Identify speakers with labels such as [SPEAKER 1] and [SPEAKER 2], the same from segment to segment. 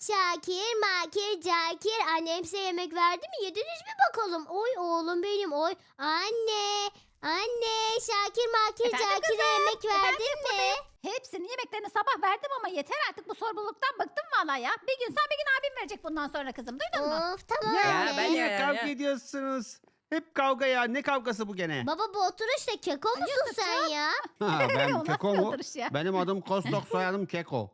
[SPEAKER 1] Şakir, Makir, Cakir. Annem size yemek verdi mi? Yediniz mi bakalım? Oy oğlum benim oy. Anne. Anne. Şakir, Makir,
[SPEAKER 2] Efendim
[SPEAKER 1] Cakir'e yemek verdin mi?
[SPEAKER 2] buradayım. Hepsinin yemeklerini sabah verdim ama yeter artık bu sorumluluktan bıktım valla ya. Bir gün sen bir gün abim verecek bundan sonra kızım. Duydun mu?
[SPEAKER 1] Of tamam
[SPEAKER 3] Ya
[SPEAKER 1] anne.
[SPEAKER 3] ben
[SPEAKER 4] Niye
[SPEAKER 3] ya,
[SPEAKER 4] kavga
[SPEAKER 3] ya.
[SPEAKER 4] ediyorsunuz? Hep kavga ya. Ne kavgası bu gene?
[SPEAKER 1] Baba bu oturuşta keko musun sen ya?
[SPEAKER 4] Ha,
[SPEAKER 2] O
[SPEAKER 4] ben
[SPEAKER 2] nasıl
[SPEAKER 4] Keko
[SPEAKER 2] bir
[SPEAKER 4] mu?
[SPEAKER 2] oturuş ya?
[SPEAKER 4] Benim adım Kostok, soyadım Keko.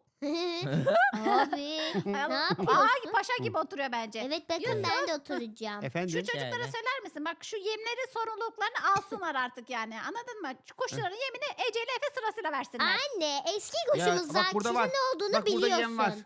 [SPEAKER 1] Abi ne
[SPEAKER 2] Ay,
[SPEAKER 1] yapıyorsun?
[SPEAKER 2] paşa gibi oturuyor bence.
[SPEAKER 1] Evet bakın ben de oturacağım.
[SPEAKER 2] Şu
[SPEAKER 4] Efendim?
[SPEAKER 2] çocuklara
[SPEAKER 3] Yani.
[SPEAKER 2] söyler misin? Bak şu yemleri sorumluluklarını alsınlar artık yani. Anladın mı? Şu kuşların yemini Ece ile Efe sırasıyla versinler.
[SPEAKER 1] Anne eski kuşumuz
[SPEAKER 4] bak burada var.
[SPEAKER 1] Zakir'in ne olduğunu
[SPEAKER 4] Bak burada
[SPEAKER 1] biliyorsun.
[SPEAKER 4] yem var.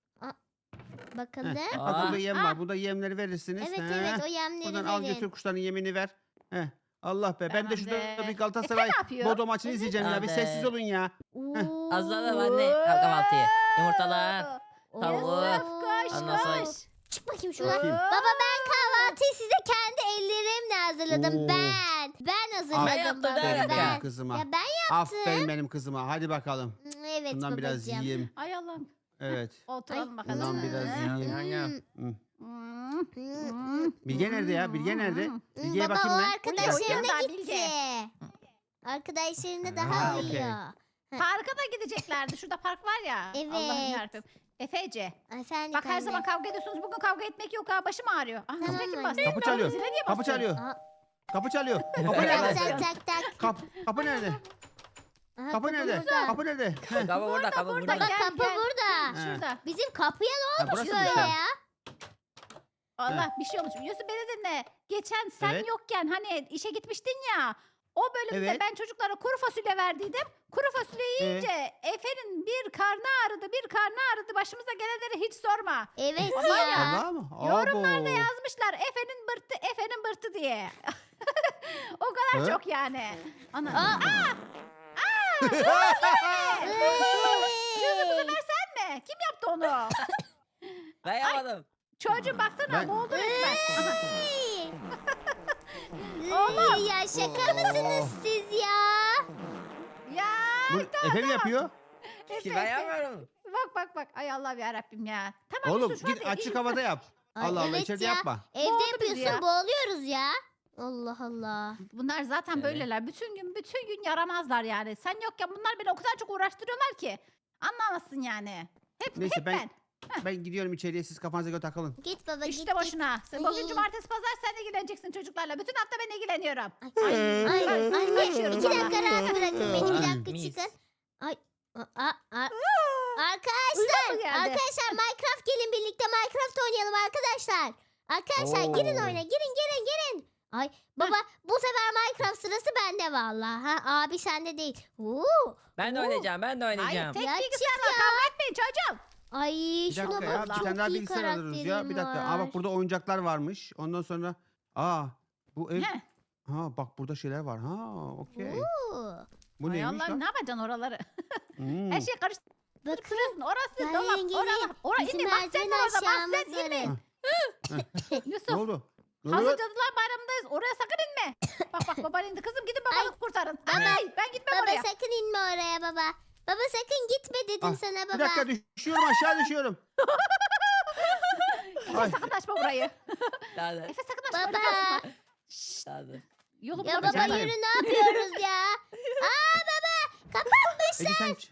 [SPEAKER 1] Bakalım.
[SPEAKER 4] Heh,
[SPEAKER 3] Aa.
[SPEAKER 4] bak burada yem var. Burada yemleri verirsiniz.
[SPEAKER 1] Evet
[SPEAKER 4] He.
[SPEAKER 1] evet o yemleri
[SPEAKER 4] Buradan al
[SPEAKER 1] verin.
[SPEAKER 4] götür kuşların yemini ver. Heh. Allah be. Ben de şurada
[SPEAKER 2] Tamamdır.
[SPEAKER 4] bir Galatasaray
[SPEAKER 2] Efe ne yapıyor?
[SPEAKER 4] Bodo maçını izleyeceğim ya. Bir
[SPEAKER 3] Tamamdır.
[SPEAKER 4] sessiz olun ya.
[SPEAKER 3] Az daha var anne. Kahvaltıyı. Yumurtalar. Tavuk.
[SPEAKER 2] Koş
[SPEAKER 3] Ondan sonra-
[SPEAKER 2] koş.
[SPEAKER 1] Çık bakayım şuradan.
[SPEAKER 4] Bakayım.
[SPEAKER 1] Baba ben kahvaltıyı size kendi ellerimle hazırladım.
[SPEAKER 4] Oo.
[SPEAKER 1] Ben hazırladım
[SPEAKER 3] Ben yaptım,
[SPEAKER 1] baba.
[SPEAKER 3] ben
[SPEAKER 4] Benim
[SPEAKER 1] Ben.
[SPEAKER 4] kızıma.
[SPEAKER 1] Ya ben
[SPEAKER 4] Aferin benim kızıma. Hadi bakalım.
[SPEAKER 1] evet
[SPEAKER 4] Bundan biraz
[SPEAKER 1] babacığım.
[SPEAKER 4] yiyeyim.
[SPEAKER 2] Ay Allah'ım.
[SPEAKER 4] Evet.
[SPEAKER 2] Oturalım bakalım.
[SPEAKER 4] Bundan biraz yiyeyim.
[SPEAKER 3] Aynen.
[SPEAKER 4] Hı.
[SPEAKER 2] Hmm.
[SPEAKER 4] Bilge nerede ya? Bilge nerede? Bilge'ye
[SPEAKER 1] Baba
[SPEAKER 4] bakayım
[SPEAKER 1] o
[SPEAKER 4] ben.
[SPEAKER 1] arkadaşlarına
[SPEAKER 2] Uyuyor,
[SPEAKER 1] gitti.
[SPEAKER 2] Bilge.
[SPEAKER 1] Arkadaşlarına
[SPEAKER 4] Ha,
[SPEAKER 1] daha
[SPEAKER 4] okey.
[SPEAKER 1] uyuyor.
[SPEAKER 2] Parka da gideceklerdi. Şurada park var ya. Allah'ım
[SPEAKER 1] Evet.
[SPEAKER 2] yarabbim. Efece.
[SPEAKER 1] Efendim
[SPEAKER 2] Bak her
[SPEAKER 1] anne.
[SPEAKER 2] zaman kavga ediyorsunuz. Bugün kavga etmek yok ha. Başım ağrıyor. Ah,
[SPEAKER 1] Tamam
[SPEAKER 2] zile kim
[SPEAKER 1] anne.
[SPEAKER 2] bastı?
[SPEAKER 4] Kapı çalıyor.
[SPEAKER 2] Zile niye
[SPEAKER 4] Kapı
[SPEAKER 2] basıyor?
[SPEAKER 4] çalıyor.
[SPEAKER 1] Aa,
[SPEAKER 4] Kapı çalıyor. Kapı
[SPEAKER 1] tak
[SPEAKER 4] nerede?
[SPEAKER 1] tak tak tak.
[SPEAKER 4] Kapı nerede?
[SPEAKER 1] Aha,
[SPEAKER 4] Kapı nerede?
[SPEAKER 1] burada.
[SPEAKER 4] Kapı nerede? Heh.
[SPEAKER 3] Kapı burada, kapı
[SPEAKER 2] burada.
[SPEAKER 3] burada.
[SPEAKER 1] Baba
[SPEAKER 2] Gel,
[SPEAKER 1] kapı
[SPEAKER 2] gel.
[SPEAKER 1] burada.
[SPEAKER 2] Şurada.
[SPEAKER 1] Bizim kapıya ne
[SPEAKER 4] Ha,
[SPEAKER 1] olmuş
[SPEAKER 4] burası mı
[SPEAKER 1] böyle
[SPEAKER 4] sen?
[SPEAKER 1] ya?
[SPEAKER 2] Allah bir şey olmuş. Yusuf beni dinle. Geçen sen
[SPEAKER 4] Evet.
[SPEAKER 2] yokken hani işe gitmiştin ya. O bölümde
[SPEAKER 4] Evet.
[SPEAKER 2] ben çocuklara kuru fasulye verdiydim. Kuru fasulye yiyince Efe'nin bir karnı ağrıdı, bir karnı ağrıdı. Başımıza gelenleri hiç sorma.
[SPEAKER 1] Evet
[SPEAKER 2] Ama
[SPEAKER 1] ya.
[SPEAKER 4] Allah mı?
[SPEAKER 2] Yorumlarda
[SPEAKER 4] Abo.
[SPEAKER 2] yazmışlar Efe'nin bırtı diye. O kadar
[SPEAKER 4] He?
[SPEAKER 2] çok yani. Ana.
[SPEAKER 1] Aa.
[SPEAKER 2] Yusuf bu sefer sen mi? Kim yaptı onu?
[SPEAKER 3] Ben yapmadım.
[SPEAKER 2] Çocuğum baksana
[SPEAKER 4] Ben-
[SPEAKER 2] boğuldu resmen.
[SPEAKER 1] Oğlum. Ya şaka mısınız
[SPEAKER 4] Oh.
[SPEAKER 1] siz ya?
[SPEAKER 2] Ya
[SPEAKER 4] Bu Efe mi yapıyor?
[SPEAKER 2] Efe,
[SPEAKER 3] Ben
[SPEAKER 2] Efe.
[SPEAKER 3] yapmıyorum.
[SPEAKER 2] Bak. Ay Allah'ım yarabbim ya. Tamam
[SPEAKER 4] Oğlum
[SPEAKER 2] Yusuf,
[SPEAKER 4] git
[SPEAKER 2] hadi.
[SPEAKER 4] açık havada yap.
[SPEAKER 1] Ay,
[SPEAKER 4] Allah Allah
[SPEAKER 1] evet
[SPEAKER 4] içeride
[SPEAKER 1] ya.
[SPEAKER 4] yapma.
[SPEAKER 1] Evde
[SPEAKER 2] Boğuldu bizi
[SPEAKER 1] yapıyorsun
[SPEAKER 2] ya.
[SPEAKER 1] boğuluyoruz ya. Allah Allah.
[SPEAKER 2] Bunlar zaten
[SPEAKER 3] Evet.
[SPEAKER 2] böyleler. Bütün gün yaramazlar yani. Sen yokken bunlar beni o kadar çok uğraştırıyorlar ki. Anlamazsın yani.
[SPEAKER 4] Neyse
[SPEAKER 2] hep
[SPEAKER 4] ben ben gidiyorum içeriye, siz kafanıza göre takılın.
[SPEAKER 1] Git baba
[SPEAKER 2] İşte
[SPEAKER 1] git.
[SPEAKER 2] boşuna. Bugün cumartesi pazar sen ilgileneceksin çocuklarla. Bütün hafta ben ilgileniyorum.
[SPEAKER 1] Ay, anne
[SPEAKER 2] Kaçıyorum
[SPEAKER 1] 2 dakika
[SPEAKER 2] valla.
[SPEAKER 1] rahat bırakın beni. 2
[SPEAKER 4] Ay,
[SPEAKER 1] dakika
[SPEAKER 3] mis.
[SPEAKER 1] çıkın. Ay.
[SPEAKER 2] Uyuyor
[SPEAKER 1] Arkadaşlar,
[SPEAKER 2] mu geldi?
[SPEAKER 1] arkadaşlar Minecraft gelin birlikte Minecraft oynayalım arkadaşlar. Arkadaşlar girin
[SPEAKER 4] Oo.
[SPEAKER 1] oyuna, girin. Ay baba bu sefer Minecraft sırası bende vallahi. Ha abi sende değil.
[SPEAKER 3] Ben de oynayacağım, ben de
[SPEAKER 2] Hayır
[SPEAKER 3] oynayacağım.
[SPEAKER 2] tek
[SPEAKER 1] Ya
[SPEAKER 2] bilgisayarla kavga etmeyin çocuğum.
[SPEAKER 1] Ay
[SPEAKER 4] Bir
[SPEAKER 1] şuna
[SPEAKER 4] dakika ya,
[SPEAKER 1] bak
[SPEAKER 4] bir
[SPEAKER 1] çok
[SPEAKER 4] tane daha
[SPEAKER 1] iyi
[SPEAKER 4] bilgisayar alırız ya. Bir dakika. Aa
[SPEAKER 1] karakterim
[SPEAKER 4] bak burada oyuncaklar varmış. Ondan sonra bu ev.
[SPEAKER 2] Heh.
[SPEAKER 4] Ha bak burada şeyler var. Ha okey.
[SPEAKER 1] Oo.
[SPEAKER 4] Bu
[SPEAKER 2] Ay
[SPEAKER 4] neymiş
[SPEAKER 2] Allah'ım
[SPEAKER 4] lan?
[SPEAKER 2] ne yapacaksın oraları?
[SPEAKER 4] Hmm.
[SPEAKER 2] Her şey
[SPEAKER 1] Bakın
[SPEAKER 2] karıştırıyorsun. Orası
[SPEAKER 1] Gelin,
[SPEAKER 2] dolap.
[SPEAKER 1] gelin.
[SPEAKER 2] Orası
[SPEAKER 1] bizim
[SPEAKER 2] inme. Bak sen
[SPEAKER 1] merdiven
[SPEAKER 2] de orada. Bak
[SPEAKER 1] aşağımız
[SPEAKER 2] sen
[SPEAKER 1] var.
[SPEAKER 2] inme.
[SPEAKER 4] Ne
[SPEAKER 2] Yusuf.
[SPEAKER 4] oldu? Ne
[SPEAKER 2] Hazır
[SPEAKER 4] oluyor?
[SPEAKER 2] Cadılar Bayramı'ndayız. Oraya sakın inme. Bak baban indi. Kızım gidin
[SPEAKER 1] Ay,
[SPEAKER 2] babanı kurtarın.
[SPEAKER 1] baba,
[SPEAKER 2] Ay ben gitmem
[SPEAKER 1] Baba
[SPEAKER 2] oraya.
[SPEAKER 1] sakın inme oraya baba. Baba sakın gitme dedim
[SPEAKER 4] Ah,
[SPEAKER 1] sana
[SPEAKER 4] Bir
[SPEAKER 1] baba.
[SPEAKER 4] dakika düşüyorum, aşağı düşüyorum.
[SPEAKER 2] Efe
[SPEAKER 4] Ay.
[SPEAKER 2] sakın açma burayı.
[SPEAKER 3] Daha da.
[SPEAKER 2] Efe sakın açma.
[SPEAKER 1] Baba.
[SPEAKER 2] Baba. Şşş,
[SPEAKER 3] Daha da.
[SPEAKER 2] yolu
[SPEAKER 1] Ya
[SPEAKER 2] bulamayacağım.
[SPEAKER 1] baba
[SPEAKER 4] Efendim?
[SPEAKER 1] yürü ne yapıyoruz ya? Aa baba kapanmış.
[SPEAKER 4] Ece sen...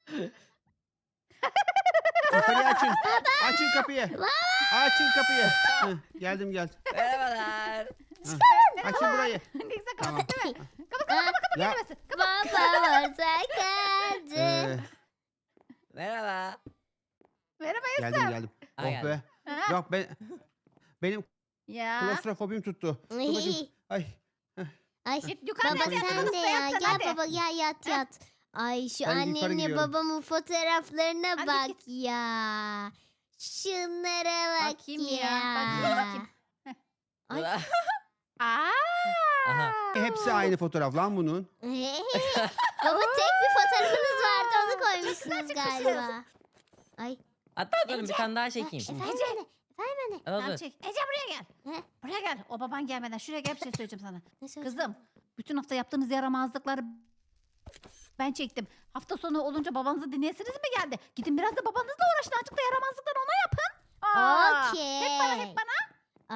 [SPEAKER 4] Yukarıya açın. Açın kapıyı. Açın kapıyı. Heh, geldim.
[SPEAKER 3] Merhabalar.
[SPEAKER 4] Açın burayı.
[SPEAKER 2] Ne güzel
[SPEAKER 4] Tamam.
[SPEAKER 2] kapat değil mi? Kapat
[SPEAKER 4] Ya,
[SPEAKER 2] gelmesin.
[SPEAKER 1] Baba orada kaldı.
[SPEAKER 3] Merhaba.
[SPEAKER 2] Merhaba
[SPEAKER 4] geldim.
[SPEAKER 3] Ha,
[SPEAKER 4] Oh
[SPEAKER 3] geldim.
[SPEAKER 4] be.
[SPEAKER 2] Ha?
[SPEAKER 4] Yok benim
[SPEAKER 2] Ya.
[SPEAKER 4] klostrofobim tuttu. Dur bakayım. Ay.
[SPEAKER 1] Ay
[SPEAKER 2] Git yukarıda
[SPEAKER 1] baba
[SPEAKER 2] yat,
[SPEAKER 1] sen
[SPEAKER 2] yatakta
[SPEAKER 1] de ya
[SPEAKER 2] yat sen,
[SPEAKER 1] gel
[SPEAKER 2] hadi.
[SPEAKER 1] baba gel yat. Ay şu
[SPEAKER 4] Ben yukarı
[SPEAKER 1] annemle
[SPEAKER 4] gidiyorum.
[SPEAKER 1] babamın fotoğraflarına
[SPEAKER 2] Hadi
[SPEAKER 1] bak
[SPEAKER 2] git.
[SPEAKER 1] ya. Şunlara bak
[SPEAKER 2] Bakayım
[SPEAKER 1] ya.
[SPEAKER 2] ya, bakayım.
[SPEAKER 1] Ay.
[SPEAKER 2] Aa.
[SPEAKER 3] Aha.
[SPEAKER 4] Hepsi aynı fotoğraf lan bunun.
[SPEAKER 1] Baba tek bir fotoğrafınız vardı onu koymuşsunuz galiba. Ay.
[SPEAKER 3] Hatta durun bir tane daha çekeyim.
[SPEAKER 1] Efendim anne. Efendim anne.
[SPEAKER 3] Al,
[SPEAKER 2] Tamam
[SPEAKER 3] dur.
[SPEAKER 2] çek. Ece buraya gel.
[SPEAKER 1] He?
[SPEAKER 2] Buraya gel. O baban gelmeden şuraya gel bir şey söyleyeceğim sana.
[SPEAKER 1] Ne söyleyeceğim?
[SPEAKER 2] Kızım bütün hafta yaptığınız yaramazlıkları ben çektim. Hafta sonu olunca babanızı dinleyesiniz mi geldi? Gidin biraz da babanızla uğraşın. Azıcık da yaramazlıkları ona yapın.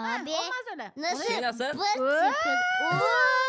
[SPEAKER 1] Abi
[SPEAKER 2] Olmaz öyle.
[SPEAKER 1] nasıl?
[SPEAKER 3] Şey nasıl?
[SPEAKER 1] Vırt
[SPEAKER 2] Oo.
[SPEAKER 1] yapıyor. Oo.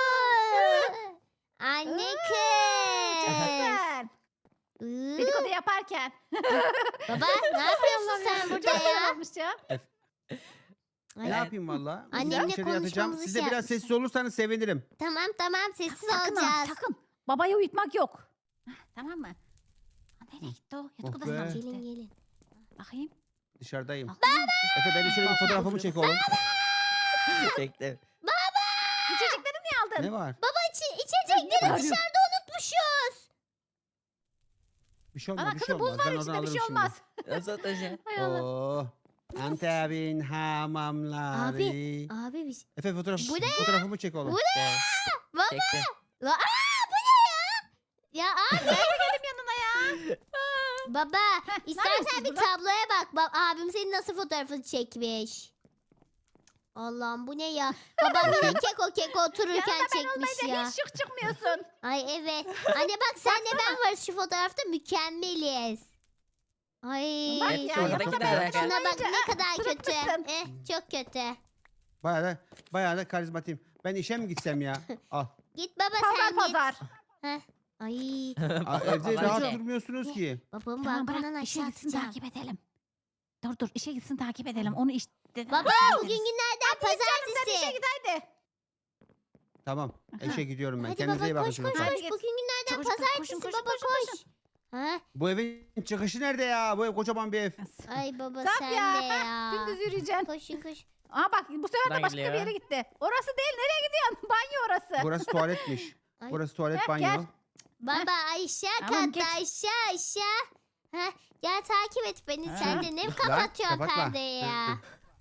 [SPEAKER 1] Anne kız.
[SPEAKER 2] Güzel.
[SPEAKER 1] Iı.
[SPEAKER 2] Dedikodu yaparken.
[SPEAKER 1] Baba ne yapıyorsun sen burada
[SPEAKER 2] Çok güzel
[SPEAKER 1] ya?
[SPEAKER 2] olmuş ya.
[SPEAKER 4] Ne yapayım valla?
[SPEAKER 1] Annemle
[SPEAKER 4] Dışarı yatacağım.
[SPEAKER 1] konuşmamızı
[SPEAKER 4] Siz de
[SPEAKER 1] şey
[SPEAKER 4] biraz
[SPEAKER 1] yapmışlar.
[SPEAKER 4] sessiz olursanız sevinirim.
[SPEAKER 1] Tamam sessiz
[SPEAKER 2] Sakın ha,
[SPEAKER 1] olacağız.
[SPEAKER 2] sakın. Babayı uyutmak yok. Heh, tamam mı? Ha, nereye gitti o? Yatak
[SPEAKER 4] Oh
[SPEAKER 2] odasına
[SPEAKER 4] be.
[SPEAKER 2] mı
[SPEAKER 1] Gelin
[SPEAKER 2] gitti?
[SPEAKER 1] gelin.
[SPEAKER 2] Bakayım.
[SPEAKER 4] Dışarıdayım.
[SPEAKER 2] Bakayım.
[SPEAKER 4] Efe benim şöyle bir fotoğrafımı çek oğlum.
[SPEAKER 3] Çektim.
[SPEAKER 2] İçecekleri niye aldın?
[SPEAKER 4] Ne var?
[SPEAKER 1] Baba içecekleri
[SPEAKER 2] Arıyorum.
[SPEAKER 1] dışarıda unutmuşuz.
[SPEAKER 4] Bir şey olmaz,
[SPEAKER 2] Ana
[SPEAKER 4] bir şey
[SPEAKER 2] kızım
[SPEAKER 4] olmaz.
[SPEAKER 2] buz var
[SPEAKER 4] Ben oradan
[SPEAKER 2] içinde bir
[SPEAKER 4] alırım
[SPEAKER 2] şey
[SPEAKER 4] şimdi.
[SPEAKER 2] olmaz.
[SPEAKER 3] Nasıl taşı?
[SPEAKER 2] Hay Allah.
[SPEAKER 4] Oo. Antep'in hamamları.
[SPEAKER 1] Abi biz.
[SPEAKER 4] Efe
[SPEAKER 1] Bu ne
[SPEAKER 4] fotoğrafımı çek oğlum.
[SPEAKER 1] Bu Baba.
[SPEAKER 3] Çektim.
[SPEAKER 1] Bu ne ya? Ya abi
[SPEAKER 2] Benim yanına ya.
[SPEAKER 1] baba
[SPEAKER 2] ne
[SPEAKER 1] istersen
[SPEAKER 2] yapıyorsunuz
[SPEAKER 1] bir
[SPEAKER 2] burada?
[SPEAKER 1] tabloya bak. Bak abim senin nasıl fotoğrafını çekmiş. Allah'ım bu ne ya? Babam yine keko otururken
[SPEAKER 2] Yanında ben
[SPEAKER 1] çekmiş
[SPEAKER 2] olmayınca
[SPEAKER 1] ya.
[SPEAKER 2] hiç şık çıkmıyorsun.
[SPEAKER 1] Ay evet. Anne bak senle ben varız şu fotoğrafta mükemmeliz. Ay.
[SPEAKER 2] Bak
[SPEAKER 4] Evet,
[SPEAKER 2] ya
[SPEAKER 4] çok
[SPEAKER 2] yanında
[SPEAKER 4] güzel.
[SPEAKER 2] ben
[SPEAKER 3] Şuna
[SPEAKER 1] Şuna bak
[SPEAKER 2] olmayınca
[SPEAKER 1] ne kadar kötü.
[SPEAKER 2] sırıtmışsın.
[SPEAKER 1] Çok kötü.
[SPEAKER 4] Bayağı da karizmatiyim. Ben işe mi gitsem ya? Al.
[SPEAKER 1] Git baba
[SPEAKER 2] Pazar
[SPEAKER 1] sen
[SPEAKER 2] pazar.
[SPEAKER 1] git. Heh. Ay.
[SPEAKER 4] Aa, evde
[SPEAKER 3] Vallahi
[SPEAKER 4] rahat
[SPEAKER 3] şey.
[SPEAKER 4] durmuyorsunuz ki.
[SPEAKER 1] Babamı
[SPEAKER 2] Tamam
[SPEAKER 1] balkondan
[SPEAKER 2] bırak işe
[SPEAKER 1] aşağı
[SPEAKER 2] gitsin
[SPEAKER 1] atacağım.
[SPEAKER 2] takip edelim. Dur işe gitsin takip edelim. Onu işte.
[SPEAKER 1] Baba bugün günlerden
[SPEAKER 2] Sen işe
[SPEAKER 1] pazartesi.
[SPEAKER 2] git haydi.
[SPEAKER 4] Tamam. İşe gidiyorum ben.
[SPEAKER 1] Hadi
[SPEAKER 4] Kendinize iyi
[SPEAKER 1] baba
[SPEAKER 4] bakın
[SPEAKER 1] koş koş
[SPEAKER 4] çocuklar.
[SPEAKER 2] Hadi
[SPEAKER 1] koş.
[SPEAKER 2] git.
[SPEAKER 1] Bugün günlerden
[SPEAKER 2] Çocuklar,
[SPEAKER 1] pazartesi
[SPEAKER 2] koşun,
[SPEAKER 1] baba
[SPEAKER 2] koşun,
[SPEAKER 1] koş. Ha?
[SPEAKER 4] Bu evin çıkışı nerede ya? Bu ev kocaman bir ev.
[SPEAKER 1] Ay baba
[SPEAKER 2] Zap
[SPEAKER 1] sen
[SPEAKER 2] ya.
[SPEAKER 1] de ya.
[SPEAKER 2] Gündüz yürüyeceksin.
[SPEAKER 1] Koşun koş.
[SPEAKER 2] Aa bak bu sefer de
[SPEAKER 3] Buradan
[SPEAKER 2] başka bir
[SPEAKER 3] gidiliyor.
[SPEAKER 2] yere gitti. Orası değil nereye gidiyorsun? Banyo orası.
[SPEAKER 4] Burası tuvaletmiş.
[SPEAKER 1] Ay.
[SPEAKER 4] Burası tuvalet
[SPEAKER 2] Gel,
[SPEAKER 4] banyo.
[SPEAKER 2] gel.
[SPEAKER 1] Baba aşağı
[SPEAKER 2] Tamam,
[SPEAKER 1] katta
[SPEAKER 2] geç.
[SPEAKER 1] aşağı. Heh, gel takip et beni
[SPEAKER 2] Ha.
[SPEAKER 1] sen de ne
[SPEAKER 4] Lan,
[SPEAKER 1] kapatıyorsun
[SPEAKER 4] kapatma.
[SPEAKER 1] perdeyi ya.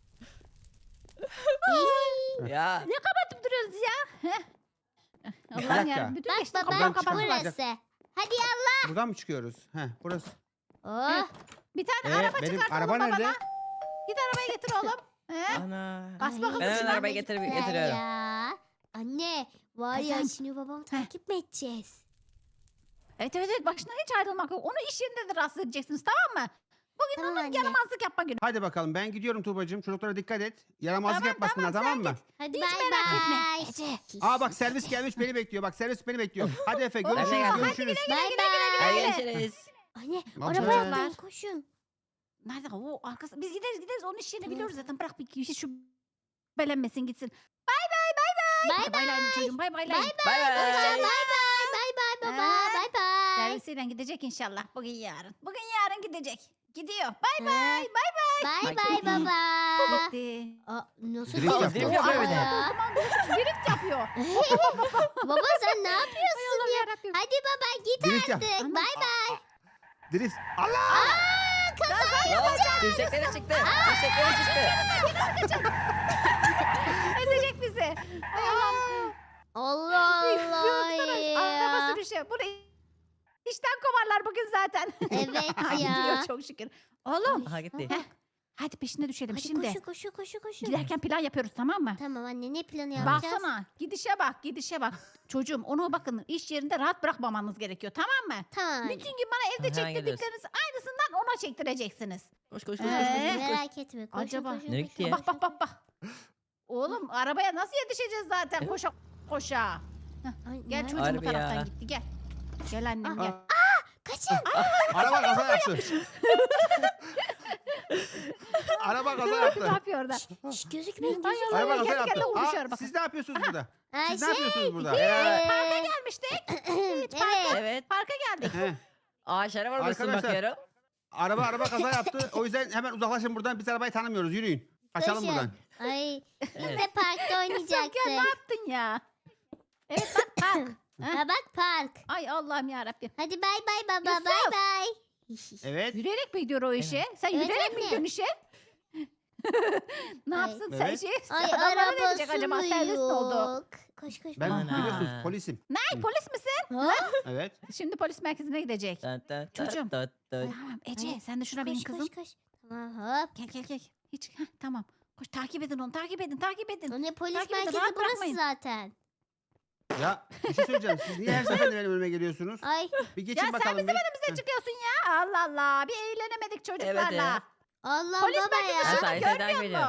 [SPEAKER 3] Ya.
[SPEAKER 2] Ne kapatıp duruyoruz ya? Heh.
[SPEAKER 4] Bir
[SPEAKER 2] Allah'ım
[SPEAKER 4] dakika.
[SPEAKER 2] ya. Bütün
[SPEAKER 1] Bak
[SPEAKER 2] geçtiği
[SPEAKER 1] baba
[SPEAKER 2] kapıları
[SPEAKER 4] Buradan çıkalım.
[SPEAKER 2] kapattılar.
[SPEAKER 1] burası. Hadi yallah.
[SPEAKER 4] Buradan mı çıkıyoruz? Heh, burası.
[SPEAKER 1] Oh.
[SPEAKER 2] Bir tane araba
[SPEAKER 4] benim
[SPEAKER 2] çıkartalım
[SPEAKER 4] araba
[SPEAKER 2] babana.
[SPEAKER 4] nerede?
[SPEAKER 2] Git arabayı getir oğlum. He?
[SPEAKER 3] Ana.
[SPEAKER 2] Bas
[SPEAKER 1] Ay,
[SPEAKER 2] bakalım
[SPEAKER 3] Ben hemen
[SPEAKER 2] şuna.
[SPEAKER 3] arabayı getirip
[SPEAKER 1] güzel
[SPEAKER 3] getiriyorum.
[SPEAKER 1] Ya. Anne var ya
[SPEAKER 2] Kızım.
[SPEAKER 1] şimdi babamı takip mi edeceğiz?
[SPEAKER 2] Evet başına hiç ayrılmak yok. Onu iş yerinde de rahatsız edeceksiniz tamam mı? Bugün
[SPEAKER 1] Tamam
[SPEAKER 2] onun
[SPEAKER 1] anne.
[SPEAKER 2] yaramazlık yapma günü.
[SPEAKER 4] Hadi bakalım ben gidiyorum Tuğbacığım. Çocuklara dikkat et. Yaramazlık
[SPEAKER 2] Tamam,
[SPEAKER 4] yapmasınlar
[SPEAKER 2] tamam,
[SPEAKER 4] tamam
[SPEAKER 2] sen
[SPEAKER 4] mı?
[SPEAKER 1] Hadi
[SPEAKER 2] Hiç
[SPEAKER 1] bay
[SPEAKER 2] merak etme.
[SPEAKER 1] bay.
[SPEAKER 2] Ece.
[SPEAKER 4] Aa bak servis gelmiş beni bekliyor. Bak servis beni bekliyor. Hadi Efe
[SPEAKER 3] Ben de
[SPEAKER 4] görüşürüz
[SPEAKER 3] geldim.
[SPEAKER 4] görüşürüz.
[SPEAKER 1] Bay
[SPEAKER 3] Hadi
[SPEAKER 1] bay.
[SPEAKER 3] görüşürüz.
[SPEAKER 1] Anne
[SPEAKER 4] Ne
[SPEAKER 1] arabaya
[SPEAKER 2] yapacağız?
[SPEAKER 1] atlayın koşun.
[SPEAKER 2] Nerede o arkası? Biz gideriz onun iş yerini biliyoruz zaten. Bırak bir kişi şu belenmesin gitsin. Bay bay.
[SPEAKER 1] Bay
[SPEAKER 2] Bay bay çocuğum bay bay.
[SPEAKER 1] Bay
[SPEAKER 3] Bay
[SPEAKER 1] Bay
[SPEAKER 3] bay.
[SPEAKER 1] bay baba.
[SPEAKER 2] Ha.
[SPEAKER 1] Bay bay.
[SPEAKER 2] Servisiyle gidecek inşallah bugün yarın. Bugün yarın gidecek. Gidiyor. Bay
[SPEAKER 1] Ha.
[SPEAKER 2] bay.
[SPEAKER 1] Bay bay baba.
[SPEAKER 2] Gitti.
[SPEAKER 1] Aa, nasıl
[SPEAKER 4] Drift
[SPEAKER 1] drift
[SPEAKER 4] yapıyor.
[SPEAKER 1] yapıyor
[SPEAKER 3] bir de.
[SPEAKER 1] ya?
[SPEAKER 2] Drift yapıyor.
[SPEAKER 1] Baba sen ne yapıyorsun?
[SPEAKER 2] Allah'ım yarabbim.
[SPEAKER 1] Hadi baba git
[SPEAKER 4] Drift yap.
[SPEAKER 1] artık.
[SPEAKER 2] Anam.
[SPEAKER 1] Bay bay.
[SPEAKER 4] Drift. Allah!
[SPEAKER 3] Dirsekleri çıktı. Dirsekleri çıktı.
[SPEAKER 2] Ezecek bizi. Ay Allah'ım.
[SPEAKER 1] Allah
[SPEAKER 2] Bir
[SPEAKER 1] Allah
[SPEAKER 2] Araba
[SPEAKER 1] ya.
[SPEAKER 2] sürüşü. Bunu işten kovarlar bugün zaten.
[SPEAKER 1] Evet
[SPEAKER 2] Ay,
[SPEAKER 1] ya.
[SPEAKER 2] gidiyor çok şükür. Oğlum.
[SPEAKER 3] Aha gitti.
[SPEAKER 2] Heh, hadi peşine düşelim
[SPEAKER 1] Hadi
[SPEAKER 2] şimdi.
[SPEAKER 1] koşu.
[SPEAKER 2] Giderken plan yapıyoruz tamam mı?
[SPEAKER 1] Tamam anne ne planı yapacağız?
[SPEAKER 2] Baksana gidişe bak. Çocuğum onu bakın iş yerinde rahat bırakmamanız gerekiyor tamam mı?
[SPEAKER 1] Tamam anne.
[SPEAKER 2] Bütün gün bana evde
[SPEAKER 3] Hemen geliyoruz.
[SPEAKER 2] çektirdikleriniz aynısından ona çektireceksiniz.
[SPEAKER 3] Koş koş
[SPEAKER 1] Merak etme. Koşun,
[SPEAKER 2] Acaba?
[SPEAKER 1] koşun,
[SPEAKER 3] Nereye
[SPEAKER 1] koşun,
[SPEAKER 3] gitti ya?
[SPEAKER 1] koşun.
[SPEAKER 2] Bak. Oğlum arabaya nasıl yetişeceğiz zaten koşa.
[SPEAKER 1] Ay,
[SPEAKER 2] Gel
[SPEAKER 1] nerede?
[SPEAKER 2] çocuğum bu
[SPEAKER 3] Harbi
[SPEAKER 2] taraftan
[SPEAKER 3] ya.
[SPEAKER 2] gitti gel. Gel annem gel.
[SPEAKER 1] Kaçın.
[SPEAKER 4] Araba kaza yaptı. Araba kaza
[SPEAKER 2] Ne
[SPEAKER 4] yaptı.
[SPEAKER 2] yapıyor orada?
[SPEAKER 1] Şş, gözükmeyin
[SPEAKER 2] Ay
[SPEAKER 1] gözükmeyin.
[SPEAKER 2] Allah
[SPEAKER 4] Araba kaza
[SPEAKER 2] kendi
[SPEAKER 4] yaptı.
[SPEAKER 2] kendine uğraşıyor
[SPEAKER 4] Aa,
[SPEAKER 2] bakın.
[SPEAKER 4] siz ne yapıyorsunuz burada?
[SPEAKER 1] Aa,
[SPEAKER 4] Siz ne yapıyorsunuz burada?
[SPEAKER 2] Parka gelmiştik.
[SPEAKER 1] evet.
[SPEAKER 3] Evet.
[SPEAKER 2] Parka geldik.
[SPEAKER 4] He.
[SPEAKER 3] Ağaçlara var mısın
[SPEAKER 4] Arkadaşlar.
[SPEAKER 3] bakıyorum.
[SPEAKER 4] Araba kaza yaptı. O yüzden hemen uzaklaşın buradan. Biz arabayı tanımıyoruz. Yürüyün. Kaçalım
[SPEAKER 1] Koşun.
[SPEAKER 4] buradan.
[SPEAKER 1] Ay biz
[SPEAKER 3] Evet.
[SPEAKER 1] de parkta
[SPEAKER 2] Kızım
[SPEAKER 1] oynayacaktık.
[SPEAKER 2] gel ne yaptın ya? Evet bak park.
[SPEAKER 1] Ha bak park.
[SPEAKER 2] Ay Allah'ım yarabbim.
[SPEAKER 1] Hadi bay bay baba
[SPEAKER 2] Yusuf.
[SPEAKER 1] bay bay.
[SPEAKER 4] Evet.
[SPEAKER 2] Yürüyerek mi gidiyor o işe? Sen
[SPEAKER 1] Evet,
[SPEAKER 2] yürüyerek mi
[SPEAKER 1] anne.
[SPEAKER 2] gidiyorsun işe? Ne
[SPEAKER 1] Ay.
[SPEAKER 2] yapsın sen
[SPEAKER 4] Evet.
[SPEAKER 2] şey?
[SPEAKER 1] Ay
[SPEAKER 2] Adamlara ne diyecek
[SPEAKER 1] arabası
[SPEAKER 2] acaba?
[SPEAKER 1] mı
[SPEAKER 2] Servis mi oldu?
[SPEAKER 1] yok? Koş.
[SPEAKER 4] Ben
[SPEAKER 3] Ana.
[SPEAKER 4] biliyorsunuz polisim.
[SPEAKER 2] Ne polis misin?
[SPEAKER 1] Ha?
[SPEAKER 4] Evet.
[SPEAKER 2] Şimdi polis merkezine gidecek. Çocuğum.
[SPEAKER 3] Tamam.
[SPEAKER 2] Tamam Ece
[SPEAKER 1] Ay,
[SPEAKER 2] sen de şuna bin kızım.
[SPEAKER 1] Koş. Tamam hop.
[SPEAKER 2] Gel. Hiç tamam. Koş takip edin onu takip edin.
[SPEAKER 1] O ne polis
[SPEAKER 2] Takip edin,
[SPEAKER 1] merkezi
[SPEAKER 2] rahat
[SPEAKER 1] burası
[SPEAKER 2] bırakmayın.
[SPEAKER 1] zaten.
[SPEAKER 4] Ya bir şey söyleyeceğim. Siz niye her seferinde benim önüme geliyorsunuz?
[SPEAKER 1] Ay
[SPEAKER 4] Bir
[SPEAKER 2] Ya
[SPEAKER 4] geçin
[SPEAKER 2] sen
[SPEAKER 4] bakalım.
[SPEAKER 2] bizim
[SPEAKER 4] bir.
[SPEAKER 2] önümüze çıkıyorsun ya. Allah Allah bir eğlenemedik çocuklarla.
[SPEAKER 3] ya.
[SPEAKER 1] Allah
[SPEAKER 2] Polis
[SPEAKER 1] baba
[SPEAKER 2] merkezi
[SPEAKER 1] ya.
[SPEAKER 3] Ben
[SPEAKER 2] şurada
[SPEAKER 3] sayesinde takip
[SPEAKER 2] görmüyor
[SPEAKER 3] ediyorum.
[SPEAKER 2] musun?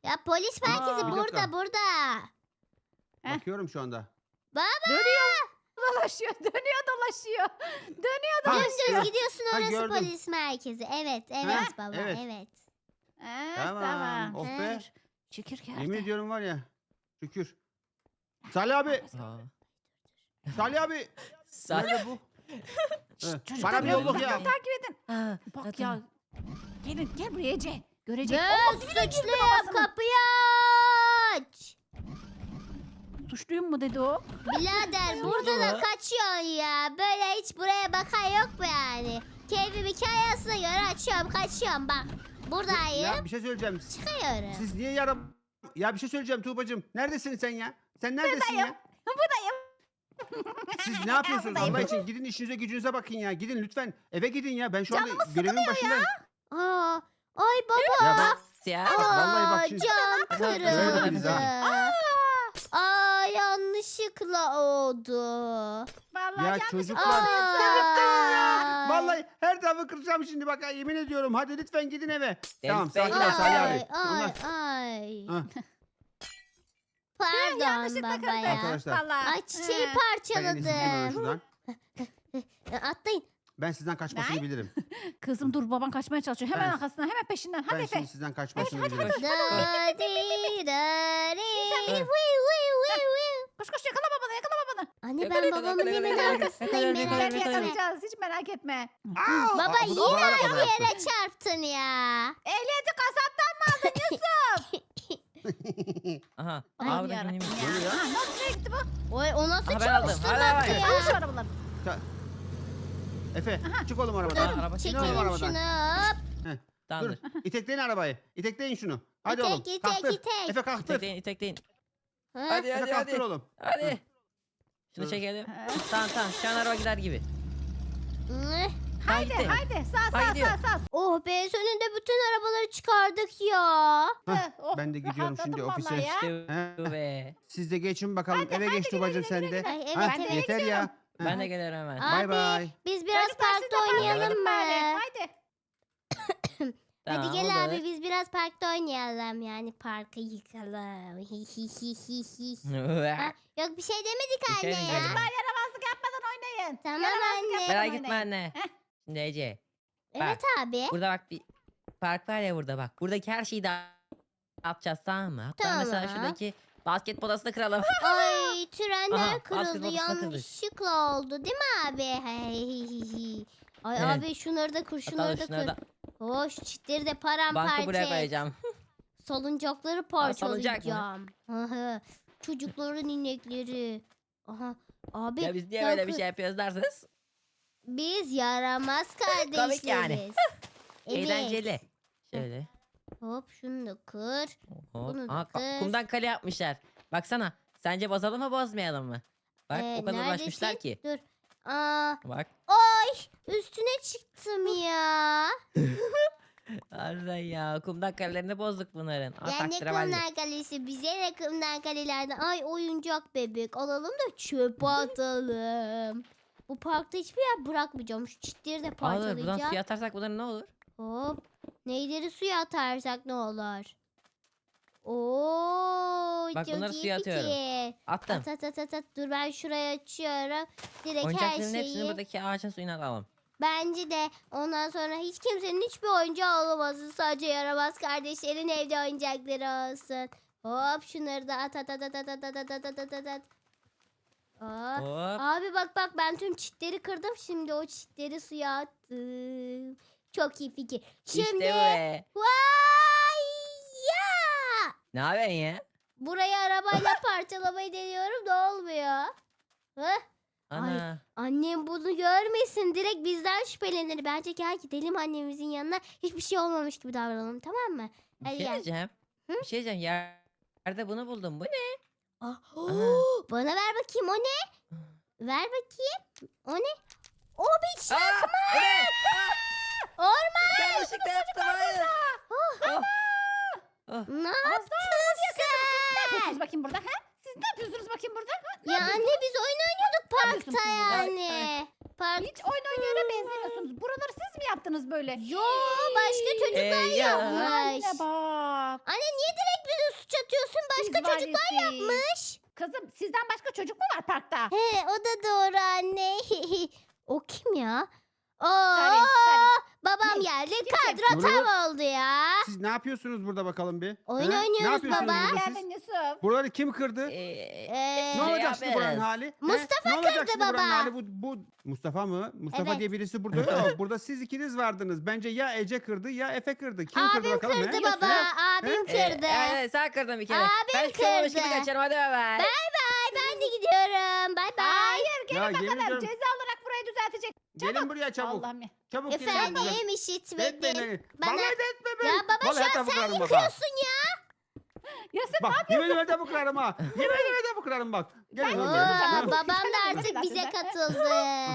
[SPEAKER 1] Ya polis merkezi
[SPEAKER 3] Aa.
[SPEAKER 4] Bir dakika.
[SPEAKER 1] burada.
[SPEAKER 2] Heh.
[SPEAKER 4] Bakıyorum şu anda.
[SPEAKER 2] Dönüyor. Dolaşıyor. Dönüyor dolaşıyor. Dönüyor
[SPEAKER 4] Ha,
[SPEAKER 2] dolaşıyor.
[SPEAKER 1] Dümdüz gidiyorsun
[SPEAKER 4] Ha,
[SPEAKER 1] orası
[SPEAKER 4] gördüm.
[SPEAKER 1] polis merkezi. Evet
[SPEAKER 4] Ha,
[SPEAKER 1] baba
[SPEAKER 4] evet.
[SPEAKER 1] evet.
[SPEAKER 4] Tamam. Oh be.
[SPEAKER 2] Şükür geldi.
[SPEAKER 4] Yemin ediyorum var ya. Şükür. Salih abi.
[SPEAKER 3] Aa.
[SPEAKER 4] Salih abi.
[SPEAKER 3] Sa-
[SPEAKER 4] Nerede bu? Evet,
[SPEAKER 2] Çocuklar
[SPEAKER 4] bana bir
[SPEAKER 2] biraz
[SPEAKER 4] yolluk ya.
[SPEAKER 2] uzaktan takip edin.
[SPEAKER 3] Aa,
[SPEAKER 2] Bak
[SPEAKER 3] tamam.
[SPEAKER 2] ya. Gelin gel buraya Ece. Görecek.
[SPEAKER 1] Ben
[SPEAKER 2] Oo, dibine girdi
[SPEAKER 1] suçluyum
[SPEAKER 2] babasının.
[SPEAKER 1] kapıyı aç.
[SPEAKER 2] Suçluyum mu dedi o?
[SPEAKER 1] Birader
[SPEAKER 3] Suçlu
[SPEAKER 1] burada da
[SPEAKER 3] mu?
[SPEAKER 1] kaçıyorsun ya. Böyle hiç buraya bakan yok mu yani? Keyfim hikayesine göre açıyorum kaçıyorum bak. Buradayım
[SPEAKER 4] Ya bir şey söyleyeceğim.
[SPEAKER 1] çıkıyorum.
[SPEAKER 4] Siz niye yarım... Ya bir şey söyleyeceğim Tuğbacığım. Neredesin sen ya? Sen neredesin ya?
[SPEAKER 2] Buradayım.
[SPEAKER 4] Siz ne yapıyorsunuz
[SPEAKER 2] Buradayım.
[SPEAKER 4] Allah için? Gidin işinize gücünüze bakın ya. Gidin lütfen. Eve gidin ya. Ben şu anda
[SPEAKER 2] Canımız
[SPEAKER 4] görevimin başındayım.
[SPEAKER 1] Aa, ay baba.
[SPEAKER 4] Ya ben...
[SPEAKER 3] Ya.
[SPEAKER 4] vallahi bak
[SPEAKER 1] Aa,
[SPEAKER 4] şimdi-
[SPEAKER 1] cam
[SPEAKER 4] Öyle biz
[SPEAKER 1] kırıldı.
[SPEAKER 4] ha.
[SPEAKER 1] Aa yanlışlıkla oldu.
[SPEAKER 2] Vallahi
[SPEAKER 4] Ya
[SPEAKER 2] yanlış
[SPEAKER 4] çocuklar.
[SPEAKER 1] Aa.
[SPEAKER 4] Vallahi her tarafı kıracağım şimdi bak ha, yemin ediyorum. Hadi lütfen gidin eve. Tamam
[SPEAKER 3] Bey,
[SPEAKER 4] sakinler Salih abi.
[SPEAKER 1] Ay
[SPEAKER 4] Bunlar...
[SPEAKER 1] ay.
[SPEAKER 4] Ha.
[SPEAKER 1] Pardon
[SPEAKER 2] yanlışlıkla
[SPEAKER 1] baba
[SPEAKER 2] kırdım.
[SPEAKER 1] ya.
[SPEAKER 4] Arkadaşlar.
[SPEAKER 2] Vallahi.
[SPEAKER 1] Ay çiçeği
[SPEAKER 4] Ben en iyisi gideyim hemen
[SPEAKER 1] parçaladım.
[SPEAKER 4] şuradan.
[SPEAKER 1] Atlayın.
[SPEAKER 4] Ben sizden kaçmasını
[SPEAKER 2] Ben?
[SPEAKER 4] bilirim.
[SPEAKER 2] Kızım dur baban kaçmaya çalışıyor. Hemen
[SPEAKER 4] Ben-
[SPEAKER 2] arkasından hemen peşinden. Hadi
[SPEAKER 4] Ben
[SPEAKER 2] Efe.
[SPEAKER 4] şimdi sizden kaçmasını
[SPEAKER 2] hadi,
[SPEAKER 4] bilirim.
[SPEAKER 1] Da di da di. Wiu, wiu, wiu, wiu.
[SPEAKER 2] Koş koş yakala babanı yakala babanı.
[SPEAKER 1] Anne
[SPEAKER 3] Yakala,
[SPEAKER 1] ben
[SPEAKER 3] yakala,
[SPEAKER 1] babamın
[SPEAKER 3] yakala,
[SPEAKER 1] hemen
[SPEAKER 3] yakala,
[SPEAKER 1] arkasındayım
[SPEAKER 3] yakala,
[SPEAKER 1] merak
[SPEAKER 3] yakala, yakala.
[SPEAKER 1] etme.
[SPEAKER 2] Yakalayacağız hiç merak etme.
[SPEAKER 4] Aa,
[SPEAKER 1] Baba
[SPEAKER 4] bu da
[SPEAKER 1] yine
[SPEAKER 4] bağırarak
[SPEAKER 1] aynı
[SPEAKER 4] bana yaptı.
[SPEAKER 1] yere çarptın ya.
[SPEAKER 2] Ehliyeti kasaptan mı aldın Yusuf?
[SPEAKER 3] Aha.
[SPEAKER 2] Ay
[SPEAKER 3] Aa, bu da
[SPEAKER 2] yarabbim
[SPEAKER 3] kimmiş?
[SPEAKER 2] ya.
[SPEAKER 4] Oluyor ya.
[SPEAKER 2] Ha, nasıl nereye gitti bu?
[SPEAKER 1] Oy o nasıl
[SPEAKER 3] Aha, ben aldım.
[SPEAKER 1] çalıştırmaktı
[SPEAKER 3] Hadi, hadi.
[SPEAKER 1] ya?
[SPEAKER 2] Al şu arabaları.
[SPEAKER 4] Efe çık oğlum arabadan.
[SPEAKER 3] Aa, araba
[SPEAKER 1] Çekelim
[SPEAKER 4] Çıkalım arabadan.
[SPEAKER 1] şunu hop.
[SPEAKER 4] Dur
[SPEAKER 3] Tamamdır.
[SPEAKER 4] itekleyin arabayı. İtekleyin şunu. Hadi
[SPEAKER 1] İtek,
[SPEAKER 4] oğlum.
[SPEAKER 1] itek,
[SPEAKER 4] Kalktır.
[SPEAKER 1] itek.
[SPEAKER 4] Efe kalktır.
[SPEAKER 3] İtekleyin, itekleyin.
[SPEAKER 1] Ha?
[SPEAKER 3] Hadi,
[SPEAKER 4] Efe
[SPEAKER 3] hadi,
[SPEAKER 4] kalktır
[SPEAKER 3] hadi.
[SPEAKER 4] oğlum.
[SPEAKER 3] Hadi. Şunu
[SPEAKER 4] Dur.
[SPEAKER 3] çekelim.
[SPEAKER 2] Ha.
[SPEAKER 3] Tamam, tamam. Şu an araba gider gibi.
[SPEAKER 1] Hı.
[SPEAKER 2] Haydi
[SPEAKER 3] gitti.
[SPEAKER 2] haydi sağ
[SPEAKER 3] Ha,
[SPEAKER 2] sağ
[SPEAKER 3] gidiyor.
[SPEAKER 2] sağ sağ.
[SPEAKER 1] Oh be sonunda bütün arabaları çıkardık ya.
[SPEAKER 4] Hah,
[SPEAKER 2] Oh,
[SPEAKER 4] ben de gidiyorum
[SPEAKER 2] rahatladım
[SPEAKER 4] şimdi
[SPEAKER 2] vallahi
[SPEAKER 4] ofise.
[SPEAKER 2] ya.
[SPEAKER 3] İşte
[SPEAKER 4] He.
[SPEAKER 3] bu be.
[SPEAKER 4] Siz de geçin bakalım.
[SPEAKER 2] Hadi,
[SPEAKER 4] Eve
[SPEAKER 2] hadi,
[SPEAKER 4] geç
[SPEAKER 2] güle,
[SPEAKER 4] Tuğbacığım
[SPEAKER 2] güle,
[SPEAKER 4] sen
[SPEAKER 2] güle,
[SPEAKER 4] de.
[SPEAKER 2] güle.
[SPEAKER 1] Ay, evet,
[SPEAKER 4] Ha,
[SPEAKER 1] evet.
[SPEAKER 4] yeter ya.
[SPEAKER 3] Ben de geliyorum hemen.
[SPEAKER 1] Aa,
[SPEAKER 4] Bay
[SPEAKER 1] Abi,
[SPEAKER 4] bay.
[SPEAKER 1] Biz biraz
[SPEAKER 2] Çocuklar, siz de
[SPEAKER 1] parkta
[SPEAKER 2] parka
[SPEAKER 1] oynayalım
[SPEAKER 2] gidin bari.
[SPEAKER 1] mı?
[SPEAKER 2] Haydi.
[SPEAKER 3] Tamam,
[SPEAKER 1] Hadi gel
[SPEAKER 3] olur.
[SPEAKER 1] abi biz biraz parkta oynayalım yani parkı yıkalım. Hi hi hi hi hi. Ha, yok bir şey demedik
[SPEAKER 3] Bir şey
[SPEAKER 1] anne ya.
[SPEAKER 3] demedim.
[SPEAKER 2] Çocuklar yaramazlık yapmadan oynayın.
[SPEAKER 1] Tamam
[SPEAKER 2] Yaramazlık
[SPEAKER 1] anne.
[SPEAKER 2] yapmadan
[SPEAKER 3] Merak etme
[SPEAKER 2] oynayın.
[SPEAKER 3] anne.
[SPEAKER 2] Heh.
[SPEAKER 3] Şimdi Ece.
[SPEAKER 1] Evet abi.
[SPEAKER 3] Burada bak bir park var ya burada bak. Buradaki her şeyi dağıtacağız tamam mı? Hatta mesela
[SPEAKER 1] Tamam.
[SPEAKER 3] şuradaki basket podasını kıralım.
[SPEAKER 1] Ay trenler
[SPEAKER 3] Aha,
[SPEAKER 1] kırıldı
[SPEAKER 3] basketbol potası kırdık.
[SPEAKER 1] yanlışlıkla oldu değil mi abi? Hey. Ay
[SPEAKER 3] Evet.
[SPEAKER 1] abi şunları da kır
[SPEAKER 3] Hatta
[SPEAKER 1] şunları da
[SPEAKER 3] şunları
[SPEAKER 1] kır.
[SPEAKER 3] da
[SPEAKER 1] Hoş çitleri de
[SPEAKER 3] bankı
[SPEAKER 1] paramparça
[SPEAKER 3] buraya
[SPEAKER 1] et.
[SPEAKER 3] koyacağım.
[SPEAKER 1] Salıncakları
[SPEAKER 3] salıncak mı?
[SPEAKER 1] parçalayacağım. Aha. Çocukların inekleri. Aha. Abi
[SPEAKER 3] Ya biz niye
[SPEAKER 1] sen
[SPEAKER 3] böyle bir
[SPEAKER 1] kır-
[SPEAKER 3] şey yapıyoruz dersiniz?
[SPEAKER 1] Biz yaramaz kardeşleriz.
[SPEAKER 3] Komik yani.
[SPEAKER 1] Evet.
[SPEAKER 3] Eğlenceli. Şöyle.
[SPEAKER 1] Hop şunu da kır.
[SPEAKER 3] Hop.
[SPEAKER 1] Bunu
[SPEAKER 3] Aha,
[SPEAKER 1] kır.
[SPEAKER 3] kumdan kale yapmışlar. Baksana. Sence bozalım mı bozmayalım mı? Bak o kadar uğraşmışlar
[SPEAKER 1] neredesin?
[SPEAKER 3] ki.
[SPEAKER 1] Dur. Aa,
[SPEAKER 3] Bak.
[SPEAKER 1] üstüne çıktım ya.
[SPEAKER 3] Harbiden ya. Kumdan kalelerini bozduk bunların. Aa,
[SPEAKER 1] Ya ne
[SPEAKER 3] taktiravalli.
[SPEAKER 1] kumdan kalesi bize ne kumdan kalelerden. Ay oyuncak bebek alalım da çöpe atalım. Bu parkta hiçbir yer bırakmayacağım. Şu çitleri de
[SPEAKER 3] Alır. Buradan
[SPEAKER 1] parçalayacağım.
[SPEAKER 3] suya atarsak bunların ne olur?
[SPEAKER 1] Hop. Neyleri suya atarsak ne olur? Oo,
[SPEAKER 3] Bak
[SPEAKER 1] çok
[SPEAKER 3] bunları
[SPEAKER 1] iyi
[SPEAKER 3] suya atıyorum.
[SPEAKER 1] fikir.
[SPEAKER 3] Attım.
[SPEAKER 1] At. Dur ben şuraya açıyorum. Direkt her
[SPEAKER 3] Oyuncakların hepsini
[SPEAKER 1] şeyi.
[SPEAKER 3] buradaki ağacın suyuna alalım.
[SPEAKER 1] Bence de ondan sonra hiç kimsenin hiçbir oyuncağı olmasın. Sadece yaramaz kardeşlerin evde oyuncakları olsun. Hop şunları da at. Aa,
[SPEAKER 3] Hop.
[SPEAKER 1] abi bak ben tüm çitleri kırdım. Şimdi o çitleri suya attım. Çok iyi fikir. Şimdi
[SPEAKER 3] İşte bu be.
[SPEAKER 1] vay ya!
[SPEAKER 3] Ne yapıyorsun ya?
[SPEAKER 1] Burayı arabayla parçalamayı deniyorum da olmuyor. Hah?
[SPEAKER 3] Ana.
[SPEAKER 1] Annem bunu görmesin. Direkt bizden şüphelenir. Bence gel gidelim annemizin yanına. Hiçbir şey olmamış gibi davranalım tamam mı?
[SPEAKER 3] Bir
[SPEAKER 1] Hadi
[SPEAKER 3] şey
[SPEAKER 1] gel.
[SPEAKER 3] diyeceğim.
[SPEAKER 1] Hı?
[SPEAKER 3] Bir şey diyeceğim. Yerde bunu buldum. Bu ne?
[SPEAKER 1] Ah, bana ver bakayım o ne? Ver bakayım. O ne? O bir şey.
[SPEAKER 3] Aa, bu ne?
[SPEAKER 1] Orman.
[SPEAKER 3] Yanlışlıkla yaptım. Hayır. Oh. Oh.
[SPEAKER 1] Ne yaptın
[SPEAKER 2] Ne
[SPEAKER 1] sen?
[SPEAKER 2] yapıyorsunuz bakayım burada? Ha? Siz ne yapıyorsunuz bakayım burada? Ha?
[SPEAKER 1] Ya anne biz oyun oynuyorduk
[SPEAKER 2] yapıyorsunuz
[SPEAKER 1] parkta
[SPEAKER 2] siz?
[SPEAKER 1] yani. Park.
[SPEAKER 2] Hiç oyun oynayana benzemiyorsunuz. Buraları siz mi yaptınız böyle?
[SPEAKER 1] Yo başka çocuklar
[SPEAKER 3] ya.
[SPEAKER 1] yapmış.
[SPEAKER 2] Anne bak.
[SPEAKER 1] Anne niye direkt biz başka çocuklar
[SPEAKER 2] valisi.
[SPEAKER 1] yapmış.
[SPEAKER 2] Kızım sizden başka çocuk mu var parkta?
[SPEAKER 1] He, o da doğru anne. O kim ya? Oo,
[SPEAKER 2] Tabii.
[SPEAKER 1] babam
[SPEAKER 2] Ne?
[SPEAKER 1] geldi.
[SPEAKER 2] Kim?
[SPEAKER 1] Kadro
[SPEAKER 4] Burada-
[SPEAKER 1] tam oldu ya.
[SPEAKER 4] Siz ne yapıyorsunuz burada bakalım bir?
[SPEAKER 1] Oyun
[SPEAKER 4] He?
[SPEAKER 1] oynuyoruz
[SPEAKER 4] Ne yapıyorsunuz
[SPEAKER 1] baba.
[SPEAKER 4] burada siz?
[SPEAKER 2] Geldin Yusuf.
[SPEAKER 4] Buraları kim kırdı?
[SPEAKER 1] Ee,
[SPEAKER 4] Ne olacak şimdi buranın
[SPEAKER 3] yapıyoruz?
[SPEAKER 4] hali? He?
[SPEAKER 1] Mustafa
[SPEAKER 4] Ne olacak
[SPEAKER 1] kırdı
[SPEAKER 4] şimdi buranın
[SPEAKER 1] baba.
[SPEAKER 4] hali? Bu Mustafa mı? Mustafa
[SPEAKER 1] Evet.
[SPEAKER 4] diye birisi burada yok. Burada siz ikiniz vardınız. Bence ya Ece kırdı ya Efe kırdı. Kim kırdı
[SPEAKER 1] Abim
[SPEAKER 4] bakalım?
[SPEAKER 1] kırdı
[SPEAKER 4] he?
[SPEAKER 1] baba.
[SPEAKER 4] He?
[SPEAKER 1] Abim
[SPEAKER 3] Ee,
[SPEAKER 1] kırdı.
[SPEAKER 3] evet sen kırdın bir kere.
[SPEAKER 1] Abim
[SPEAKER 3] Ben şu olmuş gibi
[SPEAKER 1] kırdı.
[SPEAKER 3] kaçarım hadi bay bay.
[SPEAKER 1] Bay bay, ben de gidiyorum. Bay bay.
[SPEAKER 2] Hayır
[SPEAKER 4] Ya,
[SPEAKER 2] gelin
[SPEAKER 4] yemin
[SPEAKER 2] bakalım.
[SPEAKER 4] ediyorum.
[SPEAKER 2] Ceza olarak burayı düzeltecek.
[SPEAKER 4] Gelin buraya çabuk.
[SPEAKER 2] Allah'ım ya.
[SPEAKER 4] Çabuk gelin.
[SPEAKER 1] Efendim
[SPEAKER 4] Etmeyin
[SPEAKER 1] işitmedin.
[SPEAKER 4] beni.
[SPEAKER 1] Bana-
[SPEAKER 4] Vallahi de etme beni.
[SPEAKER 1] Ya baba
[SPEAKER 4] Vallahi
[SPEAKER 1] şu an
[SPEAKER 4] tabu
[SPEAKER 1] sen
[SPEAKER 4] kırarım baba.
[SPEAKER 1] yıkıyorsun ya.
[SPEAKER 2] Yusuf
[SPEAKER 4] Bak yemin ederim tabu kırarım ha. Yemin ederim tabu kırarım bak. Gelin
[SPEAKER 1] Oo,
[SPEAKER 4] oğlum. Ha.
[SPEAKER 1] babam da
[SPEAKER 2] Sen
[SPEAKER 1] artık
[SPEAKER 2] zaten
[SPEAKER 1] bize
[SPEAKER 2] sen.
[SPEAKER 1] katıldı.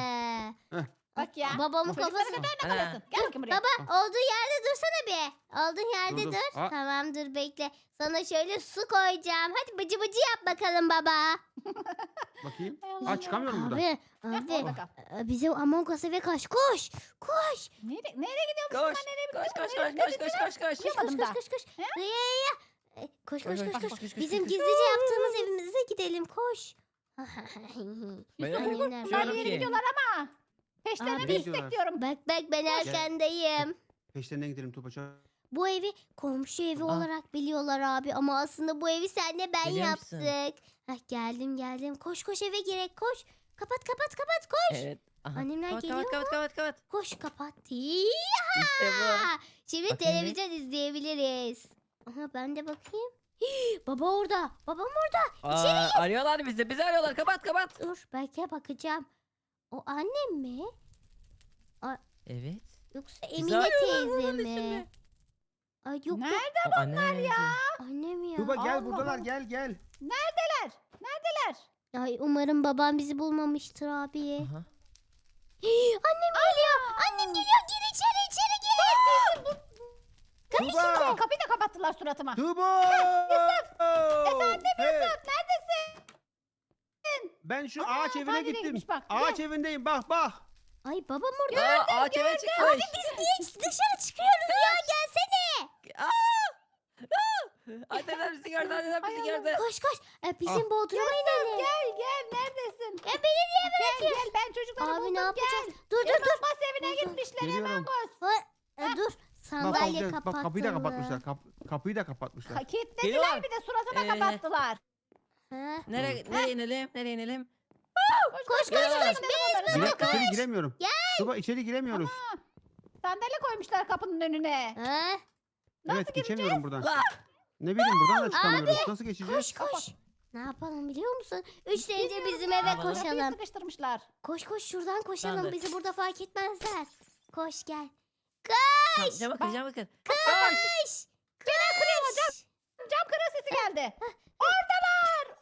[SPEAKER 2] bak ya.
[SPEAKER 1] Babamın
[SPEAKER 2] Çocuklara
[SPEAKER 1] kafası.
[SPEAKER 2] kadar ne
[SPEAKER 3] Ana.
[SPEAKER 2] kalasın? Gel bakayım buraya.
[SPEAKER 1] Baba olduğun yerde dursana bir. Olduğun yerde
[SPEAKER 4] Dur, dur.
[SPEAKER 1] dur.
[SPEAKER 4] Aa.
[SPEAKER 1] Tamam dur bekle. Sana şöyle su koyacağım. Hadi bıcı bıcı yap bakalım baba.
[SPEAKER 4] Bakayım.
[SPEAKER 2] Hay Allah
[SPEAKER 4] Ha
[SPEAKER 2] ya.
[SPEAKER 4] çıkamıyorum buradan.
[SPEAKER 1] Abi,
[SPEAKER 2] Heh,
[SPEAKER 1] abi.
[SPEAKER 2] orada kal.
[SPEAKER 1] Bizim Among Us eve kaç. Koş. Koş.
[SPEAKER 2] Nereye gidiyormuş
[SPEAKER 3] Koş
[SPEAKER 2] bunlar? Nereye
[SPEAKER 3] koş koş
[SPEAKER 2] gidiyorlar?
[SPEAKER 3] koş koş koş koş koş.
[SPEAKER 1] Koş koş
[SPEAKER 2] Yapamadım
[SPEAKER 1] koş
[SPEAKER 2] daha.
[SPEAKER 1] koş koş.
[SPEAKER 2] He?
[SPEAKER 1] Ya. Koş koş
[SPEAKER 3] Koş,
[SPEAKER 1] koş
[SPEAKER 3] koş,
[SPEAKER 1] koş.
[SPEAKER 3] koş, koş,
[SPEAKER 1] Bizim
[SPEAKER 3] koş.
[SPEAKER 1] gizlice yaptığımız evimize gidelim. Koş.
[SPEAKER 3] Böyle
[SPEAKER 1] Annemler
[SPEAKER 3] bir
[SPEAKER 2] Bunlar
[SPEAKER 3] şey
[SPEAKER 2] bir
[SPEAKER 3] yok
[SPEAKER 2] yere
[SPEAKER 3] ki.
[SPEAKER 2] gidiyorlar ama. Peşlerine
[SPEAKER 1] Abi.
[SPEAKER 2] mi istekliyorum?
[SPEAKER 1] Bak bak ben arkandayım.
[SPEAKER 4] Peşlerinden gidelim Tuğba çabuk.
[SPEAKER 1] Bu evi komşu evi olarak biliyorlar abi ama aslında bu evi senle ben
[SPEAKER 3] Biliyor musun?
[SPEAKER 1] yaptık. Hah, geldim. Koş koş eve girek koş. Kapat koş.
[SPEAKER 3] Evet. Aha.
[SPEAKER 1] Annemler
[SPEAKER 3] Kapat,
[SPEAKER 1] geliyor
[SPEAKER 3] kapat, kapat, kapat.
[SPEAKER 1] Koş kapat.
[SPEAKER 3] İşte bu.
[SPEAKER 1] Şimdi
[SPEAKER 3] Bakayım bir.
[SPEAKER 1] televizyon izleyebiliriz. Aha ben de bakayım. Baba orada. Babam orada.
[SPEAKER 3] Arıyorlar bizi. Bizi arıyorlar. Kapat kapat.
[SPEAKER 1] Dur belki bakacağım. O annem mi?
[SPEAKER 3] Evet.
[SPEAKER 1] Yoksa
[SPEAKER 3] Bizi
[SPEAKER 1] Emine
[SPEAKER 3] arıyorlar
[SPEAKER 1] teyze
[SPEAKER 3] bunun
[SPEAKER 1] mi?
[SPEAKER 3] içinde.
[SPEAKER 1] Ay yok yok
[SPEAKER 2] Nerede
[SPEAKER 3] O anneler ya.
[SPEAKER 1] annem ya.
[SPEAKER 4] Tuğba gel
[SPEAKER 2] Allah
[SPEAKER 4] buradalar
[SPEAKER 2] Allah.
[SPEAKER 4] gel.
[SPEAKER 2] Neredeler? Neredeler?
[SPEAKER 1] Ay umarım babam bizi bulmamıştır abi.
[SPEAKER 3] Aha.
[SPEAKER 1] Annem geliyor. Annem geliyor. Gir içeri gir.
[SPEAKER 4] Tuğba.
[SPEAKER 2] Kapıyı da kapattılar suratıma.
[SPEAKER 4] Tuğba.
[SPEAKER 2] Efendim
[SPEAKER 4] Hey,
[SPEAKER 2] Yusuf neredesin?
[SPEAKER 4] Ben şu
[SPEAKER 2] Ana,
[SPEAKER 4] ağaç evine
[SPEAKER 2] tamire
[SPEAKER 4] gittim.
[SPEAKER 2] gitmiş bak,
[SPEAKER 4] Ağaç
[SPEAKER 2] gel.
[SPEAKER 4] evindeyim bak.
[SPEAKER 1] Ay babam orada.
[SPEAKER 3] Aa, ağaç eve çıkmış.
[SPEAKER 1] Biz niye dışarı çıkıyoruz ya? Gelsene.
[SPEAKER 3] Anneler bizi gördü. Anneler bizi
[SPEAKER 2] Ay,
[SPEAKER 3] gördü.
[SPEAKER 1] Koş. Bizim bodruma inelim.
[SPEAKER 2] Gel neredesin?
[SPEAKER 1] Ya beni niye
[SPEAKER 2] Gel ben çocukları
[SPEAKER 1] Abi
[SPEAKER 2] buldum
[SPEAKER 1] ne yapacağız?
[SPEAKER 2] gel.
[SPEAKER 1] Dur.
[SPEAKER 2] Elmas evine
[SPEAKER 1] Dur, dur.
[SPEAKER 2] gitmişler
[SPEAKER 4] Geliyorum.
[SPEAKER 2] hemen koş.
[SPEAKER 1] Dur.
[SPEAKER 4] Bak,
[SPEAKER 1] Sandalye
[SPEAKER 4] bak,
[SPEAKER 1] kapattılar.
[SPEAKER 4] kapıyı da kapatmışlar. Kapıyı da kapatmışlar.
[SPEAKER 2] Kilitlediler
[SPEAKER 3] Geliyorlar.
[SPEAKER 2] bir de suratıma
[SPEAKER 3] Ee,
[SPEAKER 2] kapattılar.
[SPEAKER 1] Ha?
[SPEAKER 3] Nereye inelim? Nereye inelim?
[SPEAKER 1] Koş.
[SPEAKER 3] Geliyorlar.
[SPEAKER 4] İçeri giremiyorum.
[SPEAKER 1] Gel.
[SPEAKER 4] Tuğba içeri giremiyoruz.
[SPEAKER 2] Sandalye koymuşlar kapının önüne.
[SPEAKER 1] Ha?
[SPEAKER 2] Nasıl
[SPEAKER 4] Evet geçemiyorum buradan.
[SPEAKER 3] Ah!
[SPEAKER 4] Ne bileyim buradan da çıkamıyoruz. Nasıl geçeceğiz?
[SPEAKER 1] Koş. Ne yapalım biliyor musun? 3 derece bizim eve
[SPEAKER 3] Yapalım.
[SPEAKER 2] Kapıyı
[SPEAKER 1] koşalım.
[SPEAKER 2] sıkıştırmışlar.
[SPEAKER 1] Koş şuradan koşalım.
[SPEAKER 3] Tamamdır.
[SPEAKER 1] Bizi burada fark etmezler. Koş gel.
[SPEAKER 3] Tamam, cama bakın, cama bakın.
[SPEAKER 1] Koş.
[SPEAKER 2] Cam kırığı sesi geldi. Oradalar.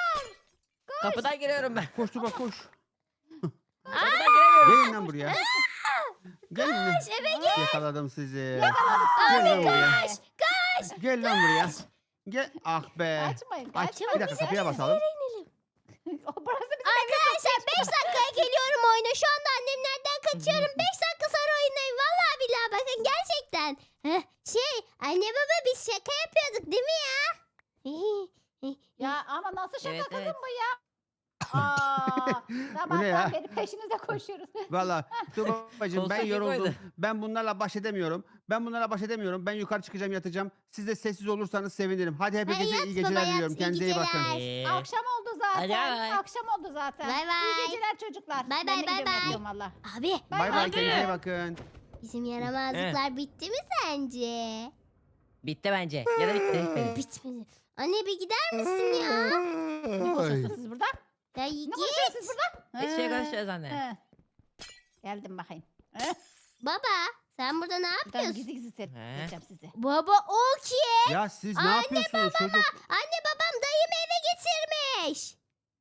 [SPEAKER 3] Kapıdan giriyorum ben.
[SPEAKER 4] Koş Tuğba koş.
[SPEAKER 3] Kapıdan giremiyorum.
[SPEAKER 4] Gelin lan buraya. Gelin lan.
[SPEAKER 1] Eve gel.
[SPEAKER 4] Yakaladım sizi.
[SPEAKER 2] Abi
[SPEAKER 4] Gel lan buraya.
[SPEAKER 2] kaç.
[SPEAKER 4] Gel lan buraya. Gel. Ah be.
[SPEAKER 2] Kaçmayın.
[SPEAKER 4] Aç.
[SPEAKER 2] Kaçmayın.
[SPEAKER 4] Bir dakika kapıya basalım.
[SPEAKER 2] Burası bizim
[SPEAKER 1] Arkadaşlar 5 dakikaya geliyorum oyuna. Şu anda annemlerden kaçıyorum. 5 dakika sonra oyundayım. Vallahi billahi bakın gerçekten. Anne baba biz şaka yapıyorduk değil mi ya?
[SPEAKER 2] Ya ama nasıl şaka
[SPEAKER 3] Evet,
[SPEAKER 2] kızım
[SPEAKER 3] evet.
[SPEAKER 2] bu ya? Aa,
[SPEAKER 4] Bu ne ya?
[SPEAKER 2] sabahtan beri peşinizde koşuyoruz.
[SPEAKER 4] Valla Tuğba'cığım ben
[SPEAKER 3] Koltuk
[SPEAKER 4] yoruldum.
[SPEAKER 3] koydu.
[SPEAKER 4] Ben bunlarla baş edemiyorum. Ben yukarı çıkacağım yatacağım. Siz de sessiz olursanız sevinirim. Hadi hepinize
[SPEAKER 1] yat
[SPEAKER 4] iyi
[SPEAKER 1] baba,
[SPEAKER 4] geceler
[SPEAKER 1] yat.
[SPEAKER 4] diliyorum.
[SPEAKER 1] İyi
[SPEAKER 4] Kendinize iyi bakın.
[SPEAKER 1] geceler.
[SPEAKER 2] Akşam oldu zaten.
[SPEAKER 3] Hadi bay.
[SPEAKER 2] Akşam oldu zaten.
[SPEAKER 1] Bay bay.
[SPEAKER 2] İyi geceler çocuklar.
[SPEAKER 1] Bay
[SPEAKER 2] Ben
[SPEAKER 1] bay,
[SPEAKER 2] de
[SPEAKER 1] bay
[SPEAKER 2] gidiyorum,
[SPEAKER 1] bay.
[SPEAKER 2] yatıyorum valla.
[SPEAKER 1] Abi
[SPEAKER 2] Bay
[SPEAKER 4] Bay bay
[SPEAKER 3] bay.
[SPEAKER 4] kendinize iyi bakın.
[SPEAKER 1] bizim yaramazlıklar bitti mi sence?
[SPEAKER 3] Bitti bence. Ya da bitti. Bitmedi.
[SPEAKER 1] Bitmedi. Anne bir gider misin ya?
[SPEAKER 2] Ne konuşuyorsunuz siz burada?
[SPEAKER 1] Ya
[SPEAKER 2] Ne
[SPEAKER 1] git.
[SPEAKER 2] konuşuyorsunuz siz burada?
[SPEAKER 3] Hiçbir şey konuşuyoruz anne.
[SPEAKER 2] He. Geldim bakayım. He.
[SPEAKER 1] Baba sen burada ne
[SPEAKER 2] Buradan
[SPEAKER 1] yapıyorsun?
[SPEAKER 2] gizli gizli seyredeceğim sizi.
[SPEAKER 1] Baba o kim?
[SPEAKER 4] Ya siz ne
[SPEAKER 1] Anne,
[SPEAKER 4] yapıyorsunuz çocuk?
[SPEAKER 1] Anne babam dayımı eve getirmiş.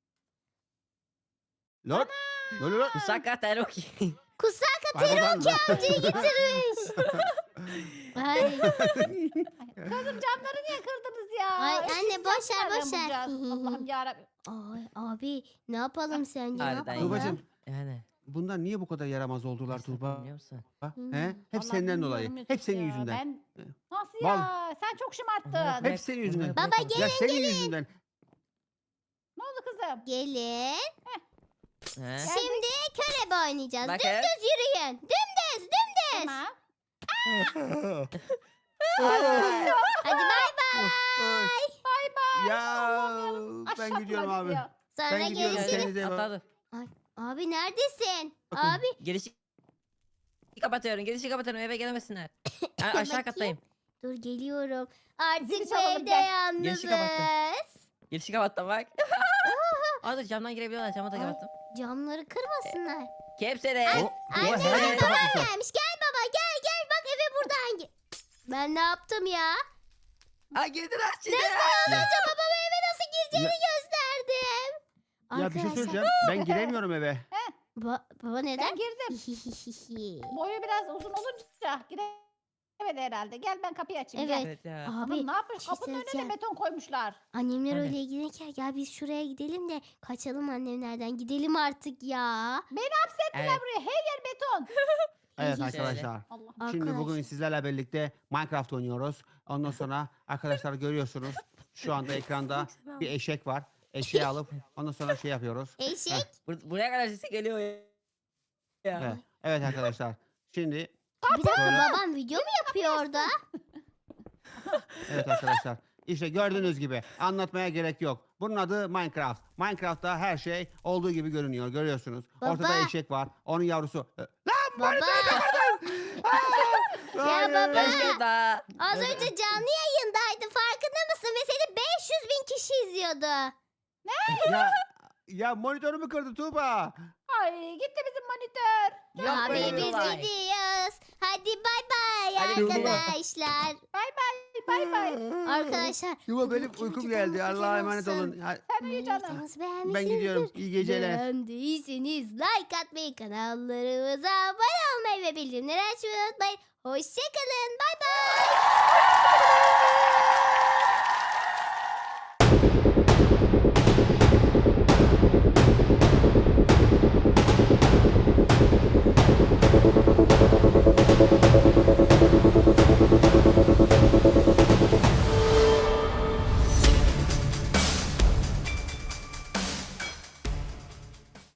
[SPEAKER 4] Lan. Lan.
[SPEAKER 3] Musakka teroki.
[SPEAKER 1] Kusaka
[SPEAKER 4] Hayvan lan.
[SPEAKER 1] amcayı getirmiş. Ay,
[SPEAKER 2] Kızım camları niye kırdınız ya?
[SPEAKER 1] ay
[SPEAKER 2] Eşsiz
[SPEAKER 1] anne boş ver
[SPEAKER 2] camlar
[SPEAKER 1] boş ver.
[SPEAKER 2] yapacağız. Allah'ım yarabbim.
[SPEAKER 1] Ay abi ne yapalım sence? Ne
[SPEAKER 3] Harbiden
[SPEAKER 1] yapalım?
[SPEAKER 3] ya.
[SPEAKER 4] Tuğbacığım
[SPEAKER 3] Yani.
[SPEAKER 4] bunlar niye bu kadar yaramaz oldular
[SPEAKER 3] Esnafım,
[SPEAKER 4] Tuğba?
[SPEAKER 3] biliyor musun?
[SPEAKER 4] He? Hep
[SPEAKER 2] Vallahi
[SPEAKER 4] senden dolayı.
[SPEAKER 2] bilmiyorum
[SPEAKER 4] Hep
[SPEAKER 2] Yusuf
[SPEAKER 4] senin
[SPEAKER 2] ya.
[SPEAKER 4] yüzünden.
[SPEAKER 2] Ben... Nasıl
[SPEAKER 4] Val-
[SPEAKER 2] ya? Sen çok
[SPEAKER 3] Onları
[SPEAKER 2] şımarttın.
[SPEAKER 3] bırak,
[SPEAKER 4] Hep senin yüzünden.
[SPEAKER 3] onları
[SPEAKER 1] Baba,
[SPEAKER 3] bırak ama.
[SPEAKER 4] Ya senin yüzünden.
[SPEAKER 2] Ne oldu kızım?
[SPEAKER 1] Gelin.
[SPEAKER 3] He?
[SPEAKER 1] Şimdi körebe oynayacağız.
[SPEAKER 3] Bakın.
[SPEAKER 1] Dümdüz yürüyün. Dümdüz.
[SPEAKER 2] Tamam.
[SPEAKER 1] Hadi bay bay.
[SPEAKER 2] Bay bay.
[SPEAKER 4] Ya ben
[SPEAKER 2] Aşağıtma
[SPEAKER 4] gidiyorum
[SPEAKER 2] bizi
[SPEAKER 4] abi.
[SPEAKER 2] ya.
[SPEAKER 1] Sonra
[SPEAKER 4] Ben gidiyorum,
[SPEAKER 1] görüşürüz.
[SPEAKER 4] kendinize iyi bakın.
[SPEAKER 3] Hatta dur.
[SPEAKER 1] Abi neredesin?
[SPEAKER 4] Bakın.
[SPEAKER 1] Abi
[SPEAKER 3] Girişi kapatıyorum. Girişi kapatıyorum. Eve gelemesinler. Ben
[SPEAKER 1] Bakayım.
[SPEAKER 3] aşağı kattayım.
[SPEAKER 1] dur geliyorum. Artık
[SPEAKER 2] Zili
[SPEAKER 1] bu
[SPEAKER 2] çalalım,
[SPEAKER 1] evde
[SPEAKER 2] gel.
[SPEAKER 3] Girişi
[SPEAKER 1] yalnızız.
[SPEAKER 3] Girişi kapattım bak. Aa dur camdan girebiliyorlar. Camı da kapattım.
[SPEAKER 1] Camları kırmasınlar.
[SPEAKER 3] Kepsere.
[SPEAKER 4] O, Tuğba her yeri
[SPEAKER 1] Anne
[SPEAKER 4] kapatmışlar.
[SPEAKER 1] gelmiş. Gel baba gel bak eve buradan gel. Ben ne yaptım ya?
[SPEAKER 3] Ha girdiler şimdi.
[SPEAKER 1] Az önce babama eve nasıl gireceğini gösterdim.
[SPEAKER 4] Ya bir şey söyleyeceğim. Ben giremiyorum eve.
[SPEAKER 1] Baba neden?
[SPEAKER 2] Ben girdim. Boyu biraz uzun olunca giremedi herhalde. Gel ben kapıyı açayım.
[SPEAKER 1] Evet.
[SPEAKER 2] Gel.
[SPEAKER 3] Evet ya.
[SPEAKER 1] Abi
[SPEAKER 2] Hanım ne yapmış?
[SPEAKER 1] bir şey
[SPEAKER 2] Kapının önüne
[SPEAKER 1] söyleyeceğim.
[SPEAKER 2] beton koymuşlar.
[SPEAKER 1] Annemler
[SPEAKER 3] Hani?
[SPEAKER 1] öyle ilgilenirken ya biz şuraya gidelim de kaçalım annemlerden. Gidelim artık ya.
[SPEAKER 3] Evet.
[SPEAKER 2] Buraya her yer beton.
[SPEAKER 4] Evet
[SPEAKER 1] Şöyle.
[SPEAKER 4] arkadaşlar.
[SPEAKER 2] Allah.
[SPEAKER 4] Şimdi bugün
[SPEAKER 1] Arkadaşlar.
[SPEAKER 4] sizlerle birlikte Minecraft oynuyoruz. Ondan sonra arkadaşlar görüyorsunuz. Şu anda ekranda bir eşek var. Eşeği alıp ondan sonra şey yapıyoruz.
[SPEAKER 1] Eşek.
[SPEAKER 3] Buraya kadar sesi geliyor ya.
[SPEAKER 4] Evet, evet arkadaşlar. Şimdi
[SPEAKER 1] Bir dakika
[SPEAKER 4] Böyle.
[SPEAKER 1] babam video mu yapıyor orada?
[SPEAKER 4] evet arkadaşlar. İşte gördüğünüz gibi anlatmaya gerek yok. Bunun adı Minecraft. Minecraft'ta her şey olduğu gibi görünüyor. Görüyorsunuz. Ortada
[SPEAKER 1] Baba.
[SPEAKER 4] eşek var. Onun yavrusu.
[SPEAKER 1] Baba.
[SPEAKER 4] Hayır.
[SPEAKER 1] baba.
[SPEAKER 3] Keşke daha.
[SPEAKER 1] Az önce canlı yayındaydı farkında mısın? Ve seni 500 bin kişi izliyordu.
[SPEAKER 4] Ya monitörümü kırdı Tuğba.
[SPEAKER 2] Ay gitti bizim monitör.
[SPEAKER 3] Yok
[SPEAKER 1] Abi
[SPEAKER 3] böyle bir
[SPEAKER 1] biz
[SPEAKER 3] olay.
[SPEAKER 1] gidiyoruz. Hadi bay bay
[SPEAKER 3] Hadi
[SPEAKER 1] arkadaşlar.
[SPEAKER 2] Bay bay.
[SPEAKER 1] Arkadaşlar.
[SPEAKER 4] Tuğba benim
[SPEAKER 1] bugünkü
[SPEAKER 4] uykum
[SPEAKER 1] videomuz
[SPEAKER 4] geldi.
[SPEAKER 1] bu
[SPEAKER 4] Allah'a
[SPEAKER 1] kadar
[SPEAKER 4] emanet
[SPEAKER 1] olsun.
[SPEAKER 4] olun. Ya,
[SPEAKER 2] Sen uyu canım.
[SPEAKER 1] Videomuzu
[SPEAKER 4] ben
[SPEAKER 1] beğenmişsinizdir.
[SPEAKER 4] gidiyorum. İyi geceler.
[SPEAKER 1] Beğendiyseniz like atmayı, kanallarımıza abone olmayı ve bildirimleri açmayı unutmayın. Hoşçakalın. Bay bay.